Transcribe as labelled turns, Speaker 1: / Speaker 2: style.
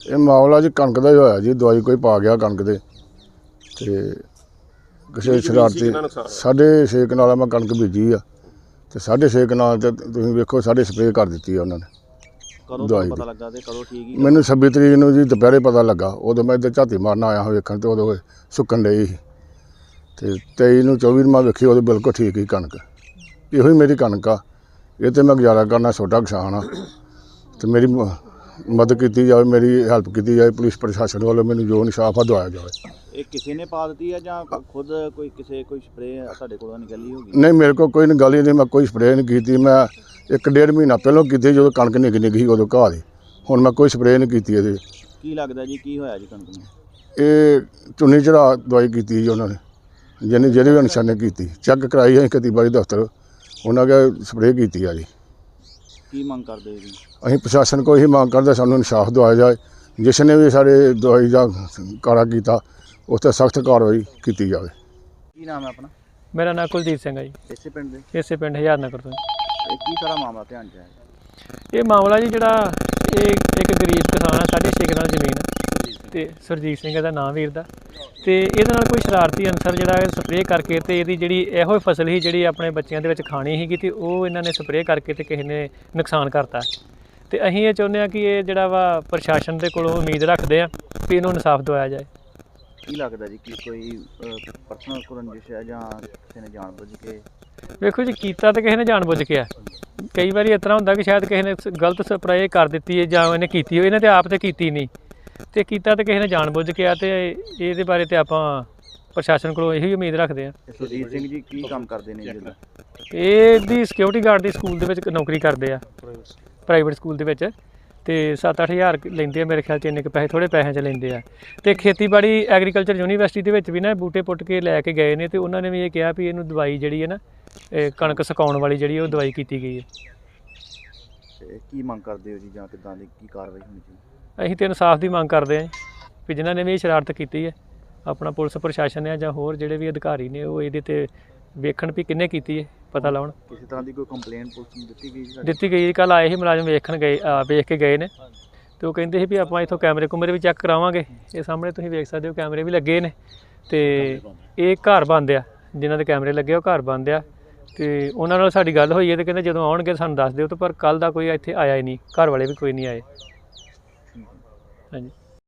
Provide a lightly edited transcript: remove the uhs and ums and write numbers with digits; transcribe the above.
Speaker 1: ਇਹ ਮਾਮਲਾ ਜੀ ਕਣਕ ਦਾ ਹੀ ਹੋਇਆ ਜੀ। ਦਵਾਈ ਕੋਈ ਪਾ ਗਿਆ ਕਣਕ ਦੇ ਤੇ ਕਿਸੇ ਸ਼ਰਾਰਤੀ 6.5 ਕਨਾਲ ਮੈਂ ਕਣਕ ਬੀਜੀ ਆ ਤੇ 6.5 ਕਨਾਲ ਤੇ ਤੁਸੀਂ ਵੇਖੋ ਸਾਡੇ ਸਪਰੇਅ ਕਰ ਦਿੱਤੀ ਆ ਉਹਨਾਂ ਨੇ। ਦਵਾਈ
Speaker 2: ਪਤਾ ਲੱਗਾ ਤੇ ਕਦੋਂ ਠੀਕ ਹੀ
Speaker 1: ਮੈਨੂੰ 26 ਤਰੀਕ ਨੂੰ ਜੀ ਦੁਪਹਿਰੇ ਪਤਾ ਲੱਗਾ। ਉਦੋਂ ਮੈਂ ਇੱਧਰ ਝਾਤੀ ਮਾਰਨ ਆਇਆ ਹਾਂ ਵੇਖਣ ਤੇ ਉਦੋਂ ਸੁੱਕਣ ਡਈ ਸੀ ਤੇ 23 ਨੂੰ 24 ਨੂੰ ਮੈਂ ਵੇਖੀ ਉਦੋਂ ਬਿਲਕੁਲ ਠੀਕ ਹੀ ਕਣਕ। ਇਹੋ ਹੀ ਮੇਰੀ ਕਣਕ ਆ, ਇਹ ਤੇ ਮੈਂ ਗੁਜ਼ਾਰਾ ਕਰਨਾ, ਛੋਟਾ ਕਿਸਾਨ ਆ ਤੇ ਮੇਰੀ ਮਦਦ ਕੀਤੀ ਜਾਵੇ, ਮੇਰੀ ਹੈਲਪ ਕੀਤੀ ਜਾਵੇ। ਪੁਲਿਸ ਪ੍ਰਸ਼ਾਸਨ ਵੱਲੋਂ ਮੈਨੂੰ ਜੋ ਇਨਸਾਫ ਆ ਦਵਾਇਆ ਜਾਵੇ।
Speaker 2: ਇਹ ਕਿਸੇ ਨੇ ਪਾ ਦਿੱਤੀ ਹੈ ਜਾਂ ਖੁਦ ਕੋਈ ਸਪਰੇਅ ਤੁਹਾਡੇ ਕੋਲੋਂ ਨਿਕਲੀ ਹੋਗੀ?
Speaker 1: ਨਹੀਂ, ਮੇਰੇ ਕੋਲ ਕੋਈ ਗੱਲ ਹੀ ਨਹੀਂ, ਮੈਂ ਕੋਈ ਸਪਰੇਅ ਨਹੀਂ ਕੀਤੀ। ਮੈਂ 1.5 ਮਹੀਨਾ ਪਹਿਲਾਂ ਕੀਤੀ ਜਦੋਂ ਕਣਕ ਨਿੱਘੀ ਸੀ ਉਦੋਂ ਘਾਹ ਦੀ। ਹੁਣ ਮੈਂ ਕੋਈ ਸਪਰੇਅ ਨਹੀਂ ਕੀਤੀ ਇਹਦੇ।
Speaker 2: ਕੀ ਲੱਗਦਾ ਜੀ ਕੀ ਹੋਇਆ ਜੀ ਕਣਕ ਨੂੰ?
Speaker 1: ਇਹ ਚੁੰਨੀ ਚੜਾ ਦਵਾਈ ਕੀਤੀ ਜੀ ਉਹਨਾਂ ਨੇ, ਜਿਹੜੇ ਵੀ ਅਨਸਰ ਨੇ ਕੀਤੀ। ਚੈੱਕ ਕਰਾਈ ਅਸੀਂ ਖੇਤੀਬਾੜੀ ਦਫ਼ਤਰ, ਉਹਨਾਂ ਕੇ ਸਪਰੇਅ ਕੀਤੀ ਆ ਜੀ।
Speaker 2: ਕੀ ਮੰਗ ਕਰਦੇ ਜੀ?
Speaker 1: ਅਸੀਂ ਪ੍ਰਸ਼ਾਸਨ ਕੋਲ ਇਹੀ ਮੰਗ ਕਰਦੇ ਸਾਨੂੰ ਇਨਸਾਫ ਦਵਾਇਆ ਜਾਏ। ਜਿਸ ਨੇ ਵੀ ਸਾਡੇ ਦਵਾਈ ਦਾ ਕਾਰਾ ਕੀਤਾ ਉਸ 'ਤੇ ਸਖਤ ਕਾਰਵਾਈ ਕੀਤੀ ਜਾਵੇ।
Speaker 2: ਕੀ ਨਾਮ ਹੈ ਆਪਣਾ?
Speaker 3: ਮੇਰਾ ਨਾਮ ਕੁਲਜੀਤ ਸਿੰਘ ਹੈ ਜੀ।
Speaker 2: ਇਸੇ ਪਿੰਡ ਦੇ?
Speaker 3: ਇਸੇ ਪਿੰਡ ਹਜ਼ਾਰ ਨਗਰ ਤੋਂ।
Speaker 2: ਇਹ ਕੀ ਸਾਰਾ ਮਾਮਲਾ ਧਿਆਨ 'ਚ ਆਇਆ?
Speaker 3: ਇਹ ਮਾਮਲਾ ਜੀ ਜਿਹੜਾ ਇਹ ਇੱਕ ਗਰੀਬ ਕਿਸਾਨ ਆ, 6.5 ਕਨਾਲ ਜ਼ਮੀਨ ਤੇ ਸੁਰਜੀਤ ਸਿੰਘ ਦਾ ਨਾਮ ਵੀਰ ਦਾ, ਤੇ ਇਹਦੇ ਨਾਲ ਕੋਈ ਸ਼ਰਾਰਤੀ ਅਨਸਰ ਜਿਹੜਾ ਸਪਰੇਅ ਕਰਕੇ ਤੇ ਇਹਦੀ ਜਿਹੜੀ ਇਹੋ ਫਸਲ ਸੀ ਜਿਹੜੀ ਆਪਣੇ ਬੱਚਿਆਂ ਦੇ ਵਿੱਚ ਖਾਣੀ ਸੀਗੀ ਤੇ ਉਹ ਇਹਨਾਂ ਨੇ ਸਪਰੇਅ ਕਰਕੇ ਤੇ ਕਿਸੇ ਨੇ ਨੁਕਸਾਨ ਕਰਤਾ। ਤੇ ਅਸੀਂ ਇਹ ਚਾਹੁੰਦੇ ਹਾਂ ਕਿ ਇਹ ਜਿਹੜਾ ਵਾ ਪ੍ਰਸ਼ਾਸਨ ਦੇ ਕੋਲੋਂ ਉਮੀਦ ਰੱਖਦੇ ਆ ਕਿ ਇਹਨੂੰ ਇਨਸਾਫ ਦਿਵਾਇਆ ਜਾਏ।
Speaker 2: ਕੀ ਲੱਗਦਾ ਜੀ ਕਿ ਕੋਈ ਪਰਸਨਲ ਰੰਜਿਸ਼ ਹੈ ਜਾਂ ਕਿਸੇ ਨੇ ਜਾਣਬੁੱਝ ਕੇ?
Speaker 3: ਵੇਖੋ ਜੀ, ਕੀਤਾ ਤਾਂ ਕਿਸੇ ਨੇ ਜਾਣਬੁੱਝ ਕੇ ਆ। ਕਈ ਵਾਰੀ ਇਸ ਤਰ੍ਹਾਂ ਹੁੰਦਾ ਕਿ ਸ਼ਾਇਦ ਕਿਸੇ ਨੇ ਗਲਤ ਸਪਰੇਅ ਕਰ ਦਿੱਤੀ ਹੈ ਜਾਂ ਇਹਨੇ ਕੀਤੀ ਹੋਈ, ਇਹਨੇ ਤੇ ਆਪ ਤੇ ਕੀਤੀ ਨਹੀਂ ਤੇ ਕੀਤਾ ਤੇ ਕਿਸੇ ਨੇ ਜਾਣਬੁੱਝ ਕੇ ਆ। ਤੇ ਇਹਦੇ ਬਾਰੇ ਤੇ ਆਪਾਂ ਪ੍ਰਸ਼ਾਸਨ ਕੋਲੋਂ ਇਹੀ ਉਮੀਦ ਰੱਖਦੇ ਆ।
Speaker 2: ਸੁਰਜੀਤ ਸਿੰਘ ਜੀ ਕੀ ਕੰਮ ਕਰਦੇ ਨੇ ਜੀ?
Speaker 3: ਇਹਦੀ ਸਿਕਿਉਰਿਟੀ ਗਾਰਡ ਦੀ ਸਕੂਲ ਦੇ ਵਿੱਚ ਨੌਕਰੀ ਕਰਦੇ ਆ, ਪ੍ਰਾਈਵੇਟ ਸਕੂਲ ਦੇ ਵਿੱਚ, ਤੇ 7-8 ਹਜ਼ਾਰ ਲੈਂਦੇ ਆ ਮੇਰੇ ਖਿਆਲ 'ਚ। ਇੰਨੇ ਕੁ ਪੈਸੇ, ਥੋੜ੍ਹੇ ਪੈਸਿਆਂ 'ਚ ਲੈਂਦੇ ਆ। ਤੇ ਖੇਤੀਬਾੜੀ ਐਗਰੀਕਲਚਰ ਯੂਨੀਵਰਸਿਟੀ ਦੇ ਵਿੱਚ ਵੀ ਨਾ ਬੂਟੇ ਪੁੱਟ ਕੇ ਲੈ ਕੇ ਗਏ ਨੇ ਤੇ ਉਹਨਾਂ ਨੇ ਵੀ ਇਹ ਕਿਹਾ ਵੀ ਇਹਨੂੰ ਦਵਾਈ ਜਿਹੜੀ ਹੈ ਨਾ ਕਣਕ ਸੁਕਾਉਣ ਵਾਲੀ ਜਿਹੜੀ ਉਹ ਦਵਾਈ ਕੀਤੀ ਗਈ ਹੈ।
Speaker 2: ਕੀ ਮੰਗ ਕਰਦੇ ਹੋ ਜੀ ਜਾਂ ਕਿੱਦਾਂ ਦੀ ਕੀ ਕਾਰਵਾਈ ਹੋਣੀ ਚਾਹੀਦੀ?
Speaker 3: ਅਸੀਂ ਤਾਂ ਇਨਸਾਫ ਦੀ ਮੰਗ ਕਰਦੇ ਹਾਂ ਵੀ ਜਿਨ੍ਹਾਂ ਨੇ ਵੀ ਇਹ ਸ਼ਰਾਰਤ ਕੀਤੀ ਹੈ, ਆਪਣਾ ਪੁਲਿਸ ਪ੍ਰਸ਼ਾਸਨ ਹੈ ਜਾਂ ਹੋਰ ਜਿਹੜੇ ਵੀ ਅਧਿਕਾਰੀ ਨੇ ਉਹ ਇਹਦੇ 'ਤੇ ਵੇਖਣ ਵੀ ਕਿਹਨੇ ਕੀਤੀ ਹੈ, ਪਤਾ ਲਾਉਣ।
Speaker 2: ਕਿਸੇ ਤਰ੍ਹਾਂ ਦੀ ਕੋਈ ਕੰਪਲੇਂਟ ਪੁਲਿਸ ਨੂੰ ਦਿੱਤੀ ਗਈ?
Speaker 3: ਦਿੱਤੀ ਗਈ। ਕੱਲ੍ਹ ਆਏ ਸੀ ਮੁਲਾਜ਼ਮ, ਵੇਖ ਕੇ ਗਏ ਨੇ ਤੇ ਉਹ ਕਹਿੰਦੇ ਸੀ ਵੀ ਆਪਾਂ ਇੱਥੋਂ ਕੈਮਰੇ ਵੀ ਚੈੱਕ ਕਰਾਵਾਂਗੇ। ਇਹ ਸਾਹਮਣੇ ਤੁਸੀਂ ਵੇਖ ਸਕਦੇ ਹੋ ਕੈਮਰੇ ਵੀ ਲੱਗੇ ਨੇ ਤੇ ਇਹ ਘਰ ਬੰਦ ਆ, ਜਿਨ੍ਹਾਂ ਦੇ ਕੈਮਰੇ ਲੱਗੇ ਉਹ ਘਰ ਬੰਦ ਆ। ਤੇ ਉਹਨਾਂ ਨਾਲ ਸਾਡੀ ਗੱਲ ਹੋਈ ਹੈ ਤੇ ਕਹਿੰਦੇ ਜਦੋਂ ਆਉਣਗੇ ਸਾਨੂੰ ਦੱਸ ਦਿਓ। ਤੇ ਪਰ ਕੱਲ੍ਹ ਦਾ ਕੋਈ ਇੱਥੇ ਆਇਆ ਹੀ ਨਹੀਂ, ਘਰ ਵਾਲੇ ਵੀ ਕੋਈ ਨਹੀਂ ਆਏ। ਹਾਂਜੀ।